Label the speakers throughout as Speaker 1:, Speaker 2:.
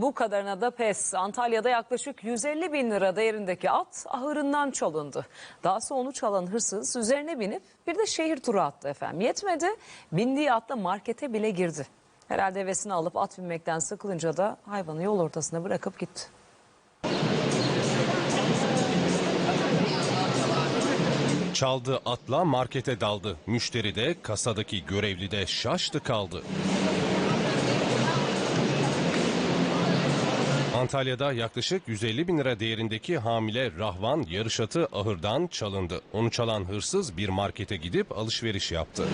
Speaker 1: bu kadarına da pes. Antalya'da yaklaşık 150 bin lira değerindeki at ahırından çalındı. Dahası onu çalan hırsız üzerine binip bir de şehir turu attı efendim. Yetmedi, bindiği atla markete bile girdi. Herhalde hevesini alıp at binmekten sıkılınca da hayvanı yol ortasına bırakıp gitti.
Speaker 2: Çaldığı atla markete daldı. Müşteri de kasadaki görevli de şaştı kaldı. Antalya'da yaklaşık 150 bin lira değerindeki hamile rahvan yarış atı ahırdan çalındı. Onu çalan hırsız bir markete gidip alışveriş yaptı.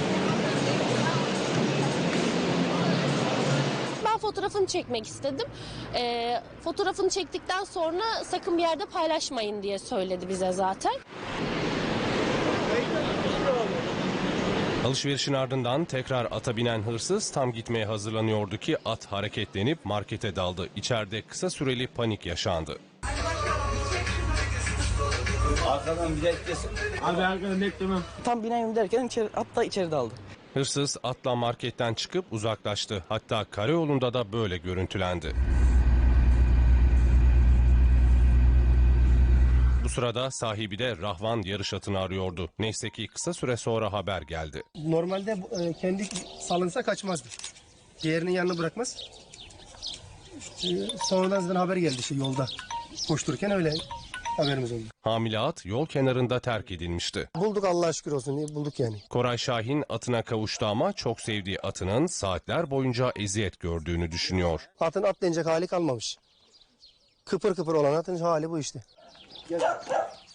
Speaker 3: Ben fotoğrafını çekmek istedim. Fotoğrafını çektikten sonra sakın bir yerde paylaşmayın diye söyledi bize zaten.
Speaker 2: Alışverişin ardından tekrar ata binen hırsız tam gitmeye hazırlanıyordu ki at hareketlenip markete daldı. İçeride kısa süreli panik yaşandı.
Speaker 4: Arkadan bir beklesin.
Speaker 5: Abi arkadan beklemem.
Speaker 6: Tam bineyim derken at da içeri daldı.
Speaker 2: Hırsız atla marketten çıkıp uzaklaştı. Hatta karayolunda da böyle görüntülendi. Bu sırada sahibi de rahvan yarış atını arıyordu. Neyse ki kısa süre sonra haber geldi.
Speaker 7: Normalde kendi salınsa kaçmazdı. Diğerinin yanına bırakmaz. Sonradan zaten haber geldi yolda. Koştururken öyle haberimiz oldu.
Speaker 2: Hamile at yol kenarında terk edilmişti.
Speaker 7: Bulduk Allah'a şükür olsun, bulduk yani.
Speaker 2: Koray Şahin atına kavuştu ama çok sevdiği atının saatler boyunca eziyet gördüğünü düşünüyor.
Speaker 7: Atın atlayacak hali kalmamış. Kıpır kıpır olan atın hali bu işte. Gel.